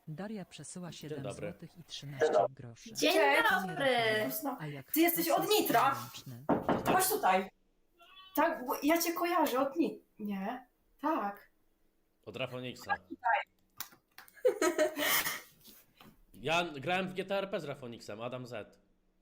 Daria przesyła 7 dobry. zł i 13 groszy. Dzień dobry! A jak Ty jesteś sposób od Nitra? ręczny, Chodź tutaj. Tak, bo ja cię kojarzę od Nitra. Nie? Tak. Od Rafoniksa. Ja grałem w GTA RP z Rafoniksem, Adam Z.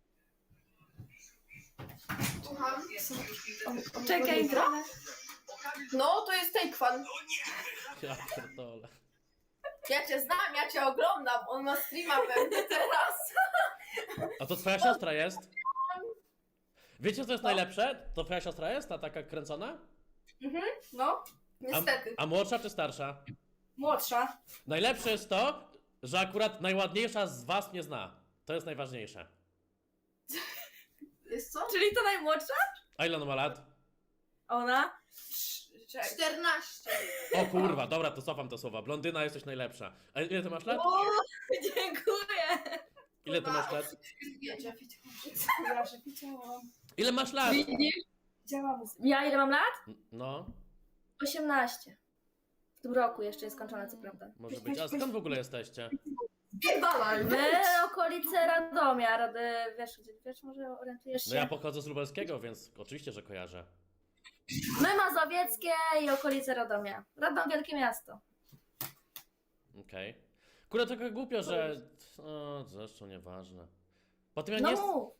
Słucham? Czekaj, Nitra? No, to jest Takefan. Ja pierdolę. Ja cię znam, ja cię oglądam. On ma streama pewnie teraz. A to twoja siostra jest? Wiecie co jest najlepsze? To twoja siostra jest? Ta taka kręcona? No, niestety. A młodsza czy starsza? Młodsza. Najlepsze jest to, że akurat najładniejsza z was mnie zna. To jest najważniejsze. Jest co? Czyli to najmłodsza? A ile ona ma lat? Ona? 14. O kurwa, dobra, to cofam te słowa. Blondyna, jesteś najlepsza. A ile ty masz lat? O, dziękuję! Ile ty masz lat? Ja że widziałam. Ile masz lat? Widzisz? Widziałam. Ja ile mam lat? No, 18. W tym roku jeszcze jest skończone, co prawda. może być. A skąd w ogóle jesteście? Pierdalaj. My okolice Radomia, wiesz, może orientujesz się? No ja pochodzę z Lubelskiego, więc oczywiście, że kojarzę. My Mazowieckie i okolice Radomia. Radom wielkie miasto. Okej. Kurde, trochę głupio, że... O, zresztą nieważne. Potem ja No nie... mów.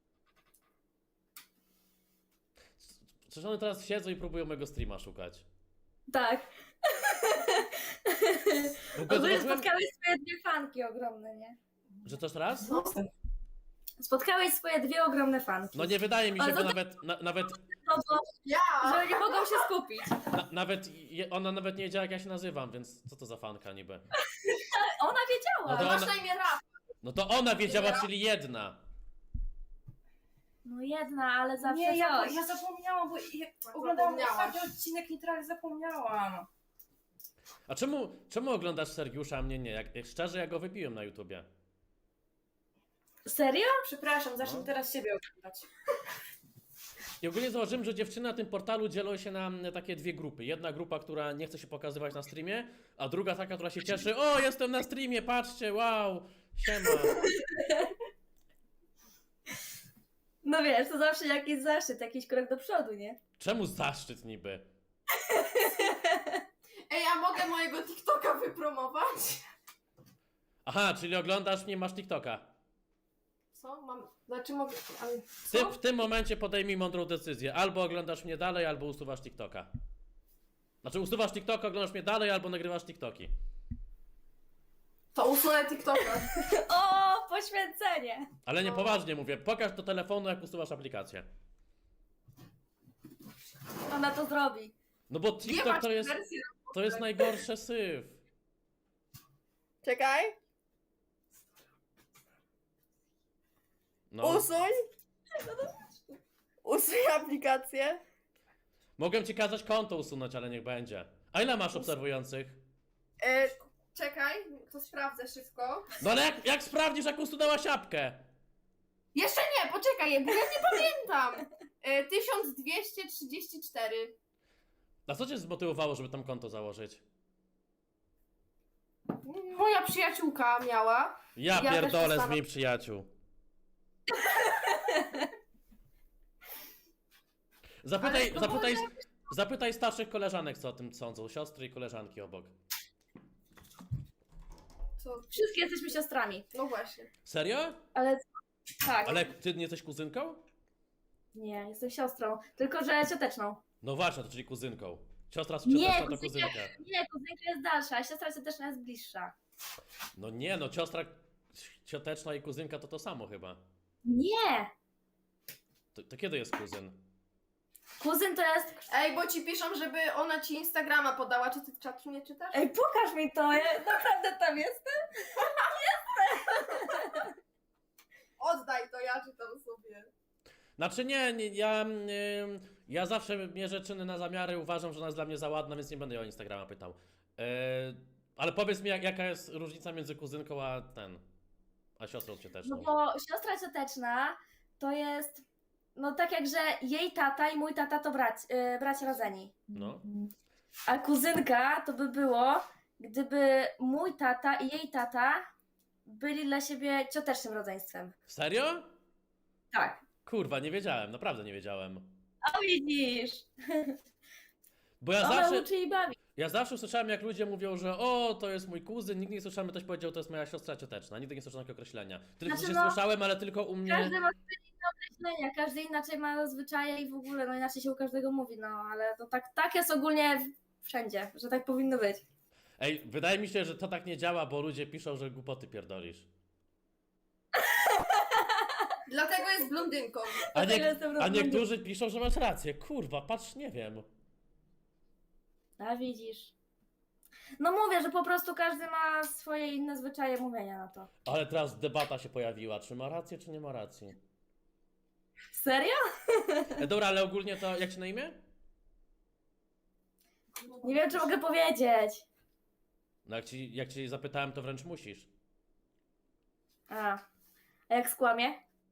Przecież one teraz siedzą i próbują mojego streama szukać. Tak. W ogóle Ogólnie zobaczyłem, spotkałeś swoje dwie fanki ogromne, nie? że to jeszcze raz? Spotkałeś swoje dwie ogromne fanki. No nie wydaje mi się, Ale bo to- nawet, No bo, Ja! że nie mogą się skupić. ona nawet nie wiedziała, jak ja się nazywam, więc co to za fanka niby? Ona wiedziała. No to Masz ona, na imię Raf. no to ona wiedziała, czyli jedna. No jedna, ale zawsze Nie, coś. ja zapomniałam, bo oglądałam ostatni odcinek Nitra, ale zapomniałam. A czemu oglądasz Sergiusza, a mnie nie? Jak szczerze, ja go wypiłem na YouTubie. Serio? Przepraszam, zacznę No. teraz siebie oglądać. I ogólnie założyłem, że dziewczyny na tym portalu dzielą się na takie dwie grupy. Jedna grupa, która nie chce się pokazywać na streamie, a druga taka, która się cieszy. O, jestem na streamie, patrzcie, wow, siema. No wiesz, to zawsze jakiś zaszczyt, jakiś krok do przodu, nie? Czemu zaszczyt niby? Ej, a mogę mojego TikToka wypromować? Aha, czyli oglądasz mnie, masz TikToka. Co? Znaczy mogę... Ale Ty co? w tym momencie podejmij mądrą decyzję. Albo oglądasz mnie dalej, albo usuwasz TikToka. Znaczy usuwasz TikToka, oglądasz mnie dalej, albo nagrywasz TikToki. To usunę TikToka. O, poświęcenie! Ale nie poważnie mówię, pokaż do telefonu, jak usuwasz aplikację. Ona to zrobi. No bo Nie TikTok masz to jest, wersji. to jest najgorsze syf. Czekaj. No. Usuń. Usuń aplikację. Mogę ci kazać konto usunąć, ale niech będzie. A ile masz obserwujących? Czekaj, to sprawdzę szybko. No ale jak sprawdzisz, jak usunęłaś apkę? Jeszcze nie, poczekaj, bo ja nie pamiętam. 1234. A co cię zmotywowało, żeby tam konto założyć? Moja przyjaciółka miała. Ja Ja pierdolę też z moich przyjaciół. Zapytaj, to zapytaj, zapytaj starszych koleżanek, co o tym sądzą. Siostry i koleżanki obok. Co? Wszystkie jesteśmy siostrami. No właśnie. Serio? Ale tak. Ale ty nie jesteś kuzynką? Nie, jestem siostrą. Tylko, że cioteczną. No właśnie, to czyli kuzynką. Siostra Nie, cioteczna to kuzynka, kuzynka. nie, kuzynka jest dalsza, a siostra cioteczna jest bliższa. No nie, no siostra cioteczna i kuzynka to samo chyba. Nie! To kiedy jest kuzyn? Kuzyn to jest... Ej, bo ci piszą, żeby ona ci Instagrama podała. Czy ty czatu nie czytasz? Ej, pokaż mi to, ja naprawdę tam jestem. Oddaj to, ja czytam sobie. Znaczy nie ja zawsze mierzę czyny na zamiary, uważam, że ona jest dla mnie za ładna, więc nie będę jej o Instagrama pytał. Ale powiedz mi, jaka jest różnica między kuzynką a siostrą No cioteczną? bo siostra cioteczna to jest... No tak jak, że jej tata i mój tata to bracia rodzeni. No. A kuzynka to by było gdyby mój tata i jej tata byli dla siebie ciotecznym rodzeństwem. Serio? Tak. Kurwa, nie wiedziałem, naprawdę nie wiedziałem. A widzisz! Bo ja Ona zawsze, uczy i bawi. ja zawsze słyszałem, jak ludzie mówią, że o, to jest mój kuzyn, nigdy nie słyszałem, że ktoś powiedział, to jest moja siostra cioteczna. Nigdy nie słyszałem takiego określenia. Tylko Znaczy, się no, słyszałem, ale tylko u mnie... Każdy ma swoje inne określenia, każdy inaczej ma zwyczaje i w ogóle, no inaczej się u każdego mówi, no ale to tak jest ogólnie wszędzie, że tak powinno być. Ej, wydaje mi się, że to tak nie działa, bo ludzie piszą, że głupoty pierdolisz. Dlatego jest blondynką. A, Dlatego jestem a rozmądna. niektórzy piszą, że masz rację. Kurwa, patrz, nie wiem. A widzisz. No mówię, że po prostu każdy ma swoje inne zwyczaje mówienia na to. Ale teraz debata się pojawiła, czy ma rację, czy nie ma racji. Serio? Dobra, ale ogólnie to, jak ci na imię? Nie wiem, czy mogę powiedzieć. No jak ci zapytałem, to wręcz musisz. A jak skłamie?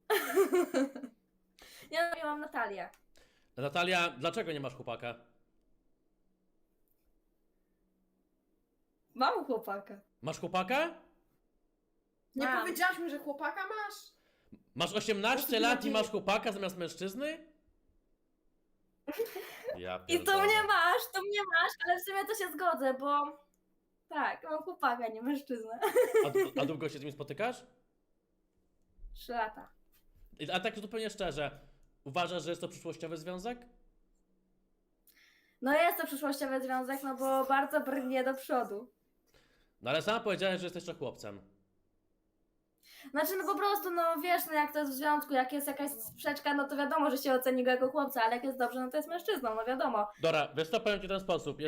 Ja mam Natalię. Natalia, dlaczego nie masz chłopaka? Mam chłopaka. Masz chłopaka? Nie Mam. powiedziałaś mi, że chłopaka masz? Masz 18 lat i masz chłopaka zamiast mężczyzny? Ja I to pierdolę. mnie masz, ale w sumie to się zgodzę, bo tak, mam chłopaka, nie mężczyznę. A długo się z nim spotykasz? 3 lata. A tak zupełnie szczerze, uważasz, że jest to przyszłościowy związek? No jest to przyszłościowy związek, no bo bardzo brnie do przodu. No ale sama powiedziałeś, że jesteś jeszcze chłopcem. Znaczy, no po prostu, no wiesz, no jak to jest w związku, jak jest jakaś sprzeczka, no to wiadomo, że się oceni go jako chłopca, ale jak jest dobrze, no to jest mężczyzną, no wiadomo. Dobra, wiesz co, powiem ci w ten sposób.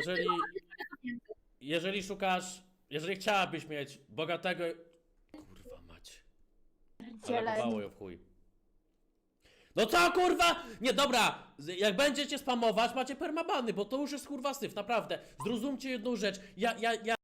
Jeżeli chciałabyś mieć bogatego... Kurwa mać. Zalagowało ją w chuj. No co kurwa? Nie, dobra, jak będziecie spamować, macie permabany, bo to już jest kurwa syf, naprawdę. Zrozumcie jedną rzecz. Ja